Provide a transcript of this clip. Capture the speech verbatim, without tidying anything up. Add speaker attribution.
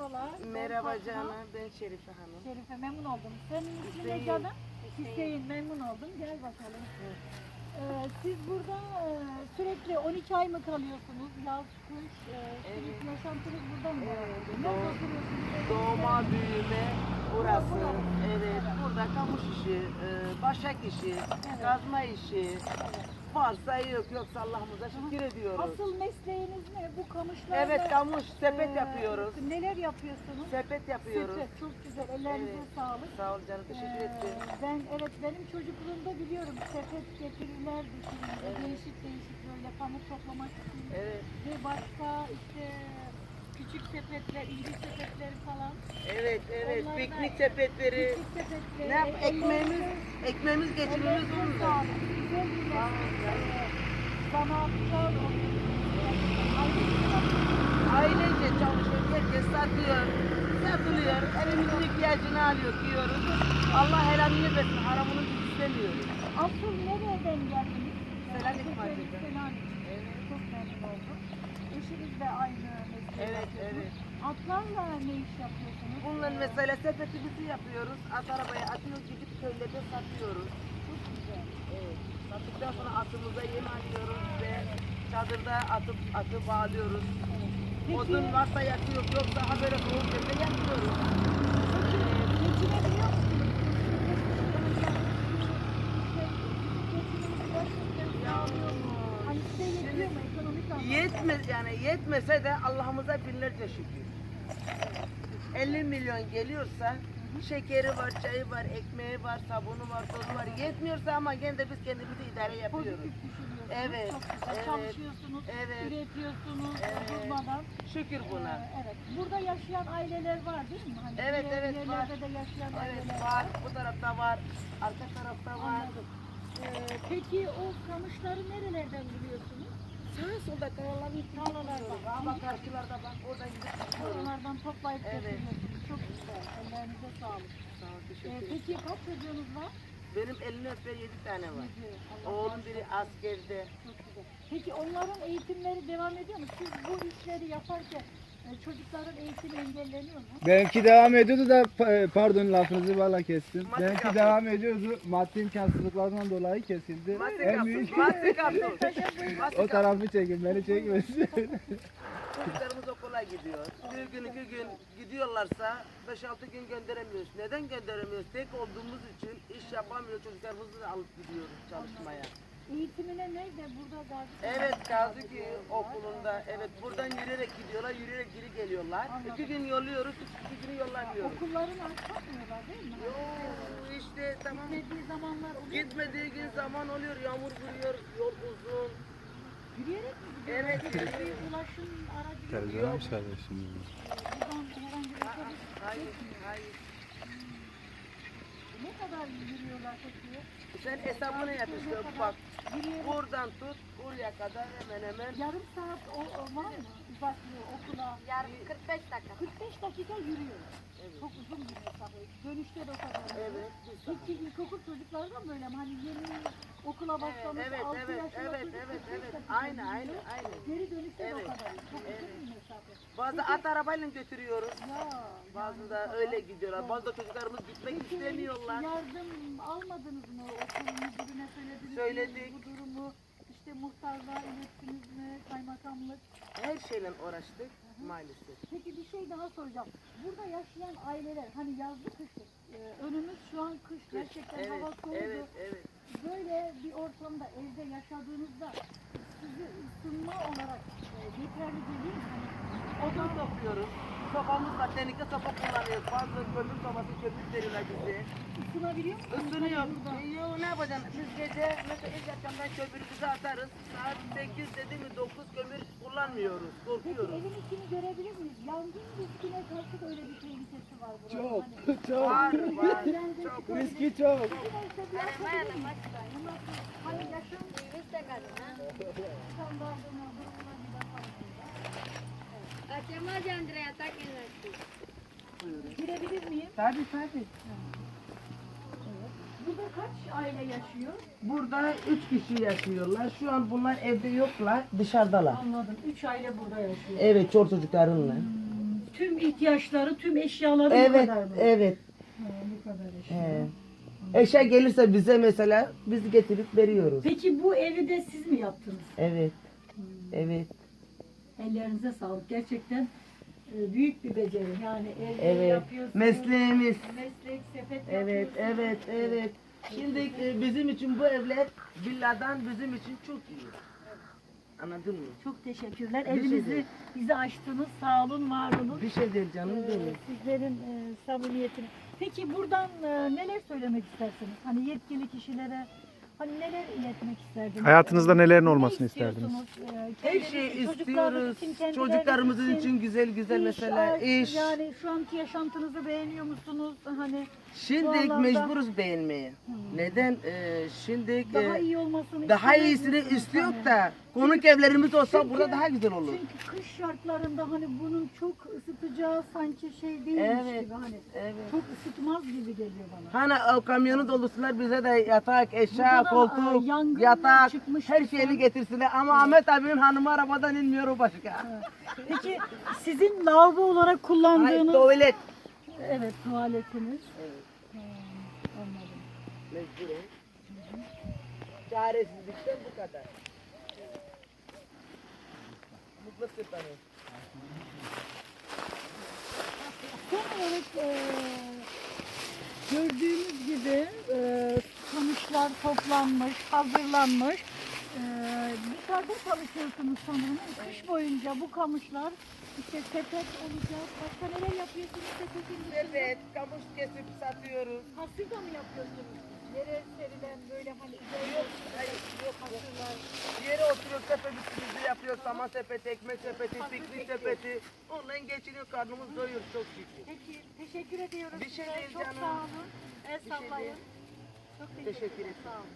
Speaker 1: merhabalar.
Speaker 2: Merhaba
Speaker 1: Ben Fatma.
Speaker 2: canım, ben Şerife Hanım.
Speaker 1: Şerife, memnun oldum. Senin ismin
Speaker 2: Hüseyin.
Speaker 1: ne canım? Hüseyin, memnun oldum. Gel bakalım. Ee, siz burada e, sürekli on iki ay mı kalıyorsunuz? Yaz, kış, e, sürekli
Speaker 2: Evet.
Speaker 1: yaşantınız burada mı?
Speaker 2: Evet,
Speaker 1: Nerede
Speaker 2: doğ-
Speaker 1: oturuyorsunuz?
Speaker 2: Doğma büyüme burası.
Speaker 1: Burası.
Speaker 2: Evet, burada kamış işi, e, başak işi, kazma işi. Varsa yok, yoksa Allah'ımıza şükür ediyoruz.
Speaker 1: Asıl mesleğiniz ne? Bu kamışlarda
Speaker 2: Evet, kamış, sepet
Speaker 1: e,
Speaker 2: yapıyoruz.
Speaker 1: Neler yapıyorsunuz?
Speaker 2: Sepet yapıyoruz.
Speaker 1: Sepet, çok güzel. Ellerinize
Speaker 2: Evet.
Speaker 1: sağlık.
Speaker 2: Sağ ol canım, teşekkür
Speaker 1: Ee,
Speaker 2: ederim.
Speaker 1: Ben evet benim çocukluğumda biliyorum sepet getirirlerdi şimdi
Speaker 2: Evet.
Speaker 1: değişik değişik böyle pamuk toplamak için
Speaker 2: Evet,
Speaker 1: ve başka işte küçük sepetler, ince sepetleri falan.
Speaker 2: evet, evet.
Speaker 1: Onlar da-
Speaker 2: Piknik sepetleri.
Speaker 1: Küçük sepetleri.
Speaker 2: Ne yap?
Speaker 1: ellerinize-
Speaker 2: Ekmeğimiz, ekmeğimiz geçimimiz
Speaker 1: ellerinize
Speaker 2: bununla.
Speaker 1: sağlık. Güzel bir meslek. Ee, Zanaatkar oluyorsunuz.
Speaker 2: Ailece çalışıyor, herkes satıyor, satılıyor, elimizin ihtiyacını alıyor, yiyoruz. Allah helalini versin, haramını biz istemiyoruz.
Speaker 1: Asıl nereden geldiniz?
Speaker 2: Selanik
Speaker 1: Türkiye'nin
Speaker 2: Mahallesi'nden.
Speaker 1: Selanik.
Speaker 2: Evet.
Speaker 1: Çok memnun oldum. Eşiniz de aynı mesleği
Speaker 2: Evet,
Speaker 1: yapıyorsunuz.
Speaker 2: evet.
Speaker 1: Atlarla ne iş yapıyorsunuz?
Speaker 2: Bununla
Speaker 1: Ee,
Speaker 2: mesela sepetimizi yapıyoruz, at arabaya atıyoruz, gidip köylerde satıyoruz.
Speaker 1: Çok güzel.
Speaker 2: Evet. Sattıktan sonra atımıza yem alıyoruz ve çadırda atıp atı bağlıyoruz.
Speaker 1: Peki,
Speaker 2: Odun varsa yakıyoruz, yoksa ha böyle soğuk yerde yakıyoruz.
Speaker 1: peki geçinebiliyor musunuz? Geçiminizi gerçekten sağlıyor mu? Hani size yetiyor mu ekonomik anlamda?
Speaker 2: Yetmez yani yetmese de Allah'ımıza binlerce şükür. elli milyon geliyorsa şekeri var, çayı var, ekmeği var, sabunu var, tozu var. Yetmiyorsa ama gene de biz kendimizi idare yapıyoruz.
Speaker 1: Pozitif düşünüyorsunuz.
Speaker 2: Evet,
Speaker 1: Çok güzel.
Speaker 2: evet,
Speaker 1: Çalışıyorsunuz,
Speaker 2: evet.
Speaker 1: üretiyorsunuz
Speaker 2: Evet.
Speaker 1: durmadan.
Speaker 2: Şükür buna.
Speaker 1: Ee, evet. Burada yaşayan aileler var değil mi? Hani
Speaker 2: Evet,
Speaker 1: diğer
Speaker 2: evet, var.
Speaker 1: yerlerde de yaşayan aileler
Speaker 2: Evet var, bu tarafta var, arka tarafta var.
Speaker 1: Anladım. Ee, peki o kamışları nerelerden buluyorsunuz?
Speaker 2: Sağa solda kayaların
Speaker 1: Tarlalardan.
Speaker 2: ama karşılarda bak oradan gidip çıkıyoruz.
Speaker 1: Oralardan toplayıp
Speaker 2: Evet.
Speaker 1: getiriyorsunuz. Çok güzel. Ellerinize sağlık.
Speaker 2: Sağ ol,
Speaker 1: Ee,
Speaker 2: teşekkür ederim.
Speaker 1: peki kaç çocuğunuz var?
Speaker 2: Benim elini öper yedi tane var.
Speaker 1: Yedi. Allah
Speaker 2: Oğlum
Speaker 1: bağışlasın.
Speaker 2: biri askerde.
Speaker 1: Çok güzel. Peki onların eğitimleri devam ediyor mu? Siz bu işleri yaparken e, çocukların eğitimi engelleniyor mu?
Speaker 3: Benimki devam ediyordu da pa- pardon lafınızı valla kestim.
Speaker 2: Madde
Speaker 3: Benimki
Speaker 2: kapı.
Speaker 3: devam ediyordu. Maddi imkansızlıklardan dolayı kesildi.
Speaker 2: Mastik
Speaker 3: En
Speaker 2: kapı,
Speaker 3: büyük
Speaker 2: mastik kapı.
Speaker 3: o tarafı çekin, beni çekmesin.
Speaker 2: Çocuklarımız okula gidiyor. Bir gün iki gün gidiyorlarsa beş altı gün gönderemiyoruz. Neden gönderemiyoruz? Tek olduğumuz için iş yapamıyor, çocuklarımızı da alıp gidiyoruz çalışmaya.
Speaker 1: Eğitimine nerede? Burada Gazi.
Speaker 2: Evet Gazi okulunda, evet buradan yürüyerek gidiyorlar, yürüyerek geri geliyorlar. İki gün yolluyoruz, iki günü yollamıyoruz.
Speaker 1: Okulların açmıyorlar değil mi?
Speaker 2: Yoo işte tamam.
Speaker 1: Gitmediği zamanlar oluyor.
Speaker 2: Gitmediği gün zaman oluyor, yağmur vuruyor, yol uzun.
Speaker 1: Yürüyerek mi gidiyorlar?
Speaker 2: Evet,
Speaker 1: Peki
Speaker 2: yürüyerek.
Speaker 1: bir ulaşım aracı yok.
Speaker 3: Televizyona mı çağırıyorsun?
Speaker 1: Buradan herhangi bir otobüs
Speaker 2: Hayır,
Speaker 1: geçmiyor.
Speaker 2: hayır.
Speaker 1: Ne kadar yürüyorlar peki?
Speaker 2: Sen hesabını yap işte bak.
Speaker 1: Yürüyerek
Speaker 2: Buradan tut, buraya kadar hemen hemen.
Speaker 1: yarım saat o, o var mı? Uzaklığı okula.
Speaker 4: Yarım kırk beş dakika.
Speaker 1: kırk beş dakika yürüyor.
Speaker 2: Evet.
Speaker 1: Çok uzun bir mesafe. Dönüşte de o kadar.
Speaker 2: Evet.
Speaker 1: Peki ilkokul çocukları da böyle mi? Hani yeni okula başlamış
Speaker 2: Evet,
Speaker 1: altı
Speaker 2: evet,
Speaker 1: yaşında
Speaker 2: evet,
Speaker 1: çocuk
Speaker 2: evet,
Speaker 1: kırk beş
Speaker 2: evet.
Speaker 1: dakika
Speaker 2: Aynı, aynı,
Speaker 1: yürüyor.
Speaker 2: aynı.
Speaker 1: Geri dönüşte de o
Speaker 2: Evet,
Speaker 1: kadar. Çok
Speaker 2: evet.
Speaker 1: uzun bir mesafe.
Speaker 2: Bazı
Speaker 1: Peki-
Speaker 2: at arabayla götürüyoruz.
Speaker 1: Ya,
Speaker 2: Bazı
Speaker 1: yani
Speaker 2: da
Speaker 1: bu
Speaker 2: öyle
Speaker 1: kadar.
Speaker 2: gidiyorlar. Bazı da çocuklarımız gitmek
Speaker 1: Peki,
Speaker 2: istemiyorlar.
Speaker 1: yardım almadınız mı? Okul müdürüne söylediniz
Speaker 2: Söyledik.
Speaker 1: mi? Bu durumu işte muhtarlığa ilettiniz mi? Kaymakamlık.
Speaker 2: Her şeyle uğraştık maalesef.
Speaker 1: Peki bir şey daha soracağım. Burada yaşayan aileler hani yazlı kışlı. e, önümüz şu an kış. Gerçekten
Speaker 2: Evet,
Speaker 1: hava soğudu.
Speaker 2: evet, evet.
Speaker 1: Böyle bir ortamda evde yaşadığınızda sizi ısınma olarak e, yeterli değil mi? Hani
Speaker 2: Odun topluyoruz. Sopamız var. Tenike sopa kullanıyoruz. Bazı kömür sobası kömür veriyorlar bize.
Speaker 1: ısınabiliyor musunuz?
Speaker 2: Isınıyor.
Speaker 1: Hani burada?
Speaker 2: E, Yo, ne yapacaksın? Biz gece mesela ilk akşamdan kömürümüzü atarız. Saat sekiz dedi mi dokuz kömür kullanmıyoruz.
Speaker 1: Peki
Speaker 2: Korkuyoruz.
Speaker 1: evin içini görebilir miyiz? Yangın riskine karşı da öyle bir tehlikesi var burada.
Speaker 3: Çok,
Speaker 1: Hani,
Speaker 3: çok.
Speaker 2: Var var.
Speaker 1: yangın
Speaker 2: Çok.
Speaker 1: çıkabilir.
Speaker 3: Riski çok.
Speaker 1: Neyse bir yapabilir miyiz? Hani yaşam
Speaker 4: Viste kadına.
Speaker 1: standartına, durumuna bir bakalım.
Speaker 4: Hacemos de Andrea Takenaki.
Speaker 1: Girebilir miyim?
Speaker 2: Tabii tabii.
Speaker 1: Burada kaç aile yaşıyor?
Speaker 2: Burada üç kişi yaşıyorlar. Şu an bunlar evde yoklar, dışarıdalar.
Speaker 1: Anladım. Üç aile burada yaşıyor.
Speaker 2: Evet, çor çocuklarınla.
Speaker 1: tüm ihtiyaçları, tüm eşyaları bu
Speaker 2: Evet,
Speaker 1: kadar mı?
Speaker 2: evet.
Speaker 1: Ha, bu kadar eşya.
Speaker 2: He. Eşya gelirse bize mesela biz getirip veriyoruz.
Speaker 1: Peki bu evi de siz mi yaptınız?
Speaker 2: Evet, evet,
Speaker 1: Ellerinize sağlık. Gerçekten e, büyük bir beceri. Yani ev
Speaker 2: evet.
Speaker 1: yapıyorsunuz.
Speaker 2: Mesleğimiz.
Speaker 1: Meslek, sepet
Speaker 2: Evet,
Speaker 1: yapıyorsunuz.
Speaker 2: evet, evet. Şimdi e, bizim için bu evler villadan bizim için çok iyi. Anladın mı?
Speaker 1: Çok teşekkürler.
Speaker 2: Bir şey
Speaker 1: Evinizi
Speaker 2: değil.
Speaker 1: bize açtınız. Sağ olun, var olun.
Speaker 2: Bir şey değil canım
Speaker 1: Ee,
Speaker 2: benim.
Speaker 1: Sizlerin e, samimiyetini. Peki buradan e, neler söylemek istersiniz? Hani yetkili kişilere hani neler iletmek isterdiniz?
Speaker 5: Hayatınızda nelerin
Speaker 1: Ne
Speaker 5: olmasını
Speaker 1: istiyorsunuz?
Speaker 5: isterdiniz?
Speaker 1: Ee,
Speaker 2: Her
Speaker 1: kendiniz-
Speaker 2: şeyi
Speaker 1: çocuklarınız
Speaker 2: istiyoruz.
Speaker 1: için, kendileriniz
Speaker 2: Çocuklarımızın için güzel güzel
Speaker 1: iş,
Speaker 2: mesela
Speaker 1: aş,
Speaker 2: iş.
Speaker 1: Yani şu anki yaşantınızı beğeniyor musunuz? Hani
Speaker 2: Şimdi
Speaker 1: bu anlamda-
Speaker 2: mecburuz beğenmeye. Neden? Ee, şimdi
Speaker 1: daha
Speaker 2: e,
Speaker 1: iyi olmasını
Speaker 2: daha
Speaker 1: istemez
Speaker 2: iyisini
Speaker 1: misiniz?
Speaker 2: istiyor
Speaker 1: Hani?
Speaker 2: da konuk evlerimiz olsa
Speaker 1: Çünkü-
Speaker 2: burada daha güzel olur.
Speaker 1: Çünkü kış şartlarında hani bunun çok ısıtacağı sanki şey değilmiş
Speaker 2: Evet,
Speaker 1: gibi hani
Speaker 2: evet.
Speaker 1: çok ısıtmaz gibi geliyor bana.
Speaker 2: Hani o kamyonu dolusular bize de yatak, eşya,
Speaker 1: Burada da,
Speaker 2: koltuk,
Speaker 1: e, yangın
Speaker 2: yatak,
Speaker 1: çıkmış
Speaker 2: her
Speaker 1: bir
Speaker 2: şeyini
Speaker 1: son.
Speaker 2: getirsinler. Ama Ahmet abinin hanımı arabadan inmiyor o başka.
Speaker 1: Peki sizin lavabo olarak
Speaker 2: Ay,
Speaker 1: kullandığınız
Speaker 2: tuvalet.
Speaker 1: evet tuvaletiniz.
Speaker 2: Evet,
Speaker 1: Ha, anladım.
Speaker 2: mecburen. Çaresizlikten bu kadar. Mutlu sıfırı.
Speaker 1: Son olarak e, gördüğünüz gibi e, kamışlar toplanmış, hazırlanmış. E, dışarıda çalışıyorsunuz sanırım. Kış boyunca bu kamışlar işte sepet olacak. Başka neler yapıyorsunuz sepetin dışında?
Speaker 2: Evet, kamış kesip satıyoruz.
Speaker 1: Hasırda mı yapıyorsunuz? Yere serilen böyle hani
Speaker 2: Yok, hayır, yok.
Speaker 1: hasırlar.
Speaker 2: Yere oturuyor, sepetimizi yapıyoruz. Saman sepeti, ekmek sepeti, piknik sepeti. Onunla geçiniyor, karnımız doyuyor çok şükür.
Speaker 1: Peki teşekkür ediyoruz
Speaker 2: Bir şey
Speaker 1: size.
Speaker 2: değil
Speaker 1: Çok
Speaker 2: canım.
Speaker 1: sağ olun. El
Speaker 2: Bir şey
Speaker 1: sallayın.
Speaker 2: değil.
Speaker 1: Çok
Speaker 2: Teşekkür
Speaker 1: teşekkür ederim.
Speaker 2: ederim.
Speaker 1: Sağ olun.